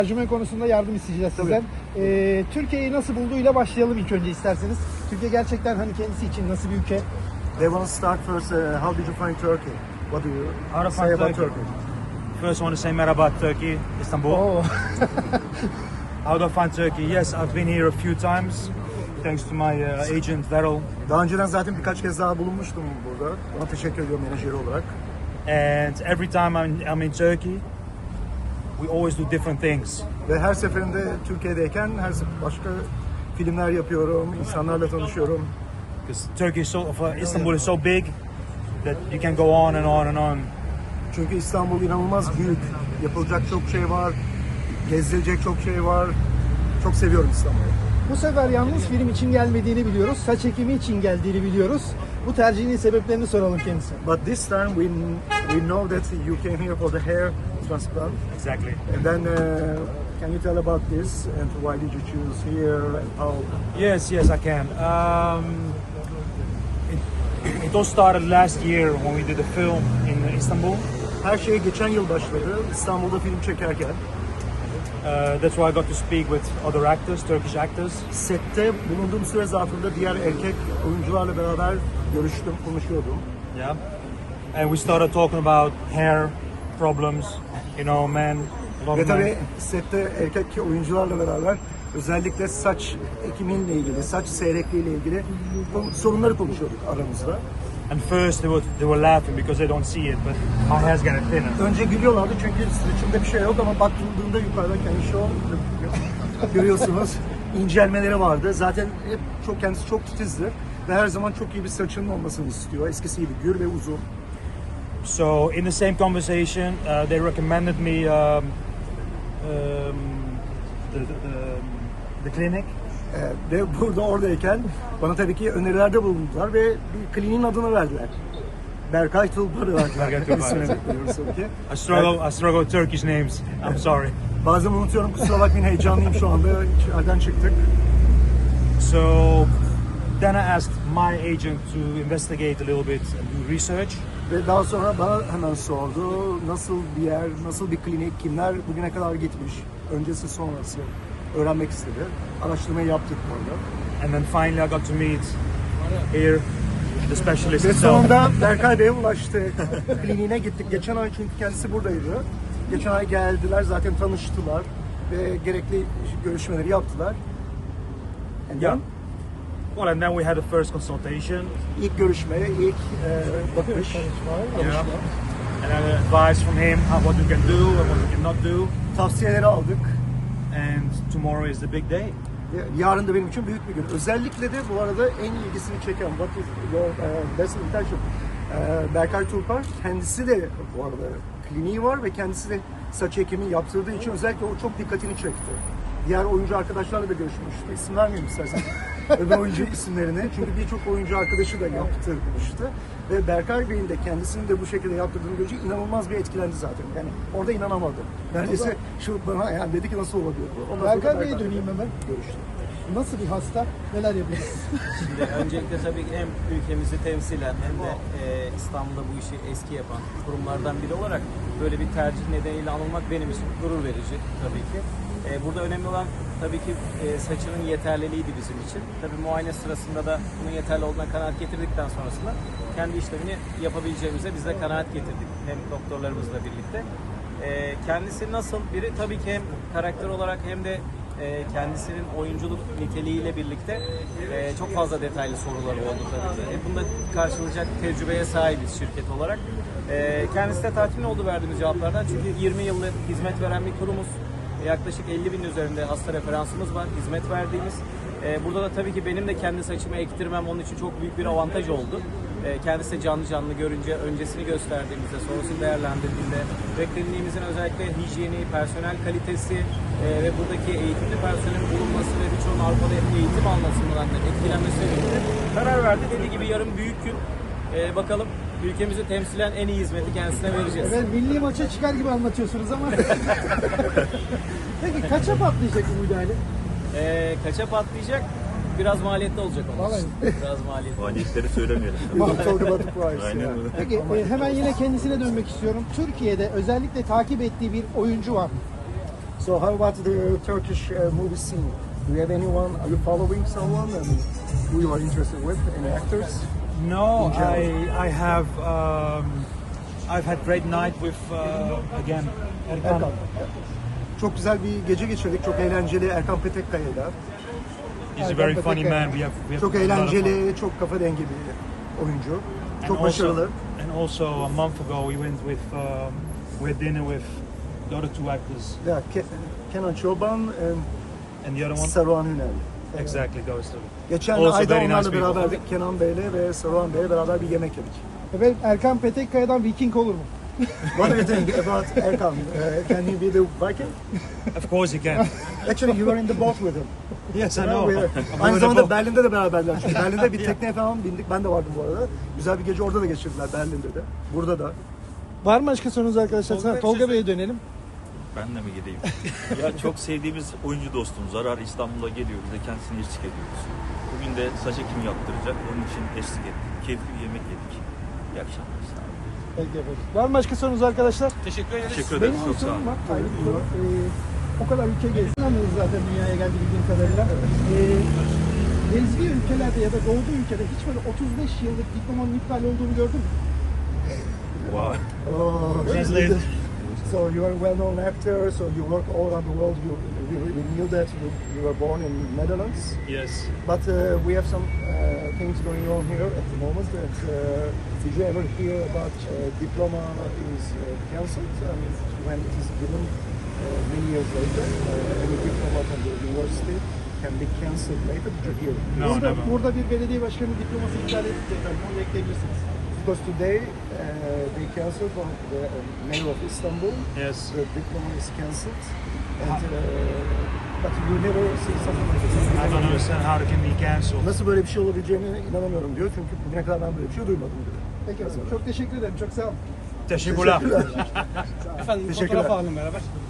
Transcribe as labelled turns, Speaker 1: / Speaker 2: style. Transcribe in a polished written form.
Speaker 1: Tercüme konusunda yardım isteyeceğiz sizden. Türkiye'yi nasıl bulduğuyla başlayalım ilk önce isterseniz. Türkiye gerçekten hani kendisi için nasıl bir ülke?
Speaker 2: They want to start first. How did you find Turkey? What do you
Speaker 3: How to
Speaker 2: say
Speaker 3: find
Speaker 2: about
Speaker 3: Turkey?
Speaker 2: Turkey?
Speaker 3: First, I want to say merhaba Turkey, Istanbul.
Speaker 1: Oo.
Speaker 3: How do I find Turkey? Yes, I've been here a few times, thanks to my agent Daryl.
Speaker 2: Daha önceden zaten birkaç kez daha bulunmuştum burada. Ona teşekkür ediyorum menajeri olarak.
Speaker 3: And every time I'm in Turkey, we always do different things.
Speaker 2: Ve her seferinde Türkiye'deyken başka filmler yapıyorum, insanlarla tanışıyorum.
Speaker 3: Because Turkey is Istanbul is so big that you can go on and on and on.
Speaker 2: Çünkü İstanbul inanılmaz büyük. Yapılacak çok şey var. Gezilecek çok şey var. Çok seviyorum İstanbul'u.
Speaker 1: Bu sefer yalnız film için gelmediğini biliyoruz. Saç ekimi için geldiğini biliyoruz. Bu tercihinin sebeplerini soralım kendisine.
Speaker 2: But this time we know that you came here for the hair transplant.
Speaker 3: Exactly.
Speaker 2: And then can you tell about this and why did you choose here and how?
Speaker 3: Yes, I can. It all started last year when we did a film in Istanbul.
Speaker 2: Her şey geçen yıl başladı. İstanbul'da film çekerken.
Speaker 3: That's why I got to speak with other actors, Turkish actors.
Speaker 2: Sette bulunduğum süre zarfında diğer erkek oyuncularla beraber görüştüm, konuşuyordum.
Speaker 3: Yeah. And we started talking about hair problems, men. A lot
Speaker 2: Ve
Speaker 3: of men.
Speaker 2: tabii sette erkek oyuncularla beraber özellikle saç ekimiyle ilgili, saç seyrekliğiyle ilgili sorunları konuşuyorduk aramızda.
Speaker 3: And first they were laughing because they don't see it, but my hair's getting thinner.
Speaker 2: Önce gülüyorlardı çünkü saçımda bir şey yok ama baktığımda yukarıdan kendi şu görüyorsunuz incelmeleri vardı. Zaten hep kendisi çok titizdir ve her zaman çok iyi bir saçının olmasını istiyor. Eskisi gibi gür ve uzun.
Speaker 3: So in the same conversation, they recommended me the clinic.
Speaker 2: Ve burada oradayken bana tabii ki önerilerde bulundular ve bir kliniğin adını verdiler. Berkay Tulpar'ı verdiler.
Speaker 3: Berkay Tulpar.
Speaker 2: İsmini bekliyoruz tabii ki.
Speaker 3: I struggle with Turkish names. I'm sorry.
Speaker 2: Bazen unutuyorum, kusura bakmayın, heyecanlıyım şu anda. İçeriden çıktık.
Speaker 3: So then I asked my agent to investigate a little bit and do research.
Speaker 2: Ve daha sonra bana hemen sordu nasıl bir yer, nasıl bir klinik, kimler bugüne kadar gitmiş, öncesi sonrası öğrenmek istedi. Araştırmayı yaptık bu arada.
Speaker 3: And then finally I got to meet here the specialist
Speaker 2: Ve
Speaker 3: himself.
Speaker 2: sonunda Berkay Bey'e ulaştık. Kliniğine gittik. Geçen ay çünkü kendisi buradaydı. Geçen ay geldiler, zaten tanıştılar ve gerekli görüşmeleri yaptılar. And
Speaker 3: Yeah.
Speaker 2: then,
Speaker 3: Well, and then we had the first consultation.
Speaker 2: ilk görüşme, ilk bakış.
Speaker 3: Yeah. And I got advice from him what you can do and what you cannot do.
Speaker 2: Tavsiyeleri aldık.
Speaker 3: And tomorrow is the big day.
Speaker 2: Yarın da benim için büyük bir gün. Özellikle de bu arada en ilgisini çeken what is your best intention? Berkay Tulpar kendisi de bu arada kliniği var ve kendisi de saç ekimi yaptırdığı için özellikle o çok dikkatini çekti. Diğer oyuncu arkadaşlarla da görüşmüştü. İsim vermeyeyim istersen. Öbür oyuncu isimlerini. Çünkü birçok oyuncu arkadaşı da yaptırmıştı. Ve Berkay Bey'in de kendisinin de bu şekilde yaptırdığını görünce inanılmaz bir etkilendi zaten. Yani orada inanamadı. Neredeyse şu bana yani dedi ki nasıl olabilir bu? Ondan sonra
Speaker 1: Berkay Bey'e döneyim hemen.
Speaker 2: görüştü.
Speaker 1: Nasıl bir hasta? Neler yapıyorsunuz?
Speaker 4: Şimdi öncelikle tabii ki hem ülkemizi temsilen hem de İstanbul'da bu işi eski yapan kurumlardan biri olarak böyle bir tercih nedeniyle anılmak benim için gurur verici tabii ki. Burada önemli olan tabii ki saçının yeterliliğiydi bizim için. Tabii muayene sırasında da bunun yeterli olduğuna kanaat getirdikten sonrasında kendi işlemini yapabileceğimize biz de kanaat getirdik. Hem doktorlarımızla birlikte. Kendisi nasıl biri? Tabii ki hem karakter olarak hem de kendisinin oyunculuk niteliğiyle birlikte çok fazla detaylı soruları oldu tabii ki. Bunda karşılayacak tecrübeye sahibiz şirket olarak. Kendisi de tatmin oldu verdiğimiz cevaplardan. Çünkü 20 yıllık hizmet veren bir kurumuz. Yaklaşık 50.000 üzerinde hasta referansımız var, hizmet verdiğimiz. Burada da tabii ki benim de kendi saçımı ektirmem onun için çok büyük bir avantaj oldu. Kendisi de canlı görünce, öncesini gösterdiğimizde, sonrasını değerlendirdiğinde ve kliniğimizin özellikle hijyeni, personel kalitesi ve buradaki eğitimli personelin bulunması ve birçoğunun Avrupa'da eğitim almasından da etkilenmesiyle birlikte karar verdi. Dediği gibi yarın büyük gün. Bakalım ülkemizi temsilen en iyi hizmeti kendisine vereceğiz.
Speaker 1: Evet, milli maça çıkar gibi anlatıyorsunuz ama. Peki kaça patlayacak bu müdahale?
Speaker 4: Kaça patlayacak? Biraz maliyetli olacak onun için. Biraz maliyetli.
Speaker 5: Maliyetleri söylemeyelim.
Speaker 2: Talk about the price.
Speaker 5: Aynen
Speaker 2: yeah.
Speaker 5: öyle.
Speaker 1: Peki hemen yine kendisine dönmek istiyorum. Türkiye'de özellikle takip ettiği bir oyuncu var mı?
Speaker 2: So how about the Turkish movie scene? Do you have anyone? Are you following someone who you are interested with? Any actors?
Speaker 3: No,
Speaker 2: In general.
Speaker 3: I have. I've had great night with again Erkan.
Speaker 2: Erkan. Çok güzel bir gece geçirdik. Çok eğlenceli Erkan Petekkaya'yla.
Speaker 3: He's a
Speaker 1: Erkan
Speaker 3: very funny
Speaker 1: Petekkaya.
Speaker 3: man. We have
Speaker 2: Çok
Speaker 3: a lot of fun.
Speaker 2: eğlenceli, çok kafa dengi bir oyuncu.
Speaker 3: And
Speaker 2: Çok
Speaker 3: also-
Speaker 2: başarılı.
Speaker 3: And also a month ago we went with we had dinner with the other two actors
Speaker 2: Ya, Kenan Çoban
Speaker 3: and the other one.
Speaker 2: Saruhan Ünel.
Speaker 3: Exactly those two.
Speaker 2: Geçen
Speaker 3: Also
Speaker 2: ayda
Speaker 3: very
Speaker 2: onlarla
Speaker 3: nice people.
Speaker 2: beraberdik. Kenan Bey'le ve Saruhan Bey'le beraber bir yemek yedik.
Speaker 1: Efendim Erkan Petekkaya'dan Viking olur mu?
Speaker 2: What do you think about Erkan? Can he be the Viking?
Speaker 3: Of course he can.
Speaker 2: Actually, you were in the boat with him.
Speaker 3: Yes, I
Speaker 2: We
Speaker 3: know.
Speaker 2: were-
Speaker 3: I'm
Speaker 2: Aynı
Speaker 3: with
Speaker 2: zamanda
Speaker 3: the boat.
Speaker 2: Berlin'de de beraberler. Çünkü Berlin'de bir tekneye falan bindik. Ben de vardım bu arada. Güzel bir gece orada da geçirdiler Berlin'de de. Burada da.
Speaker 1: Var mı başka sorunuz arkadaşlar? Tolga Bey'e dönelim.
Speaker 5: Ben de mi gideyim? Ya çok sevdiğimiz oyuncu dostumuz Arar İstanbul'a geliyor. Biz de kendisine eşlik ediyoruz. Bugün de saç ekimi yaptıracak. Onun için eşlik ettik. Keyifli bir yemek yedik. İyi akşamlar. Sağ olun.
Speaker 1: Peki efendim. Var mı başka sorunuz arkadaşlar?
Speaker 5: Teşekkür ederiz.
Speaker 1: Benim bir
Speaker 5: Çok sağ
Speaker 1: sorum
Speaker 5: olun.
Speaker 1: var. Ayrı bir soru. O kadar ülke gezdin anladınız zaten dünyaya geldi bildiğim kadarıyla. Gezdiği ülkelerde ya da doğduğu ülkede hiç böyle 35 yıllık diplomanın iptal olduğunu gördün mü?
Speaker 5: Wow.
Speaker 2: Oh,
Speaker 3: Translate.
Speaker 2: So you are a well-known actor, so you work all around the world. We knew that you were born in Netherlands.
Speaker 3: Yes.
Speaker 2: But we have some things going on here at the moment. That, did you ever hear about diploma is cancelled? I mean, when it is given many years later, any diploma from the university can be cancelled later. Did you hear?
Speaker 3: No, never.
Speaker 1: Burada bir belediye başkanının diploması iptal edildi efendim. Onu ekleyebilirsiniz.
Speaker 2: Because today they cancelled from the mayor of Istanbul.
Speaker 3: Yes.
Speaker 2: The diploma is cancelled. And, but you never see something like this.
Speaker 3: I don't understand how it can be cancelled.
Speaker 2: Nasıl böyle bir şey olabileceğine inanamıyorum diyor. Çünkü bugüne kadar ben böyle bir şey duymadım diyor.
Speaker 1: Peki efendim. Çok teşekkür ederim. Çok sağ olun.
Speaker 3: Teşekkürler.
Speaker 1: Efendim
Speaker 2: Teşekkürler.
Speaker 1: fotoğraf alalım beraber.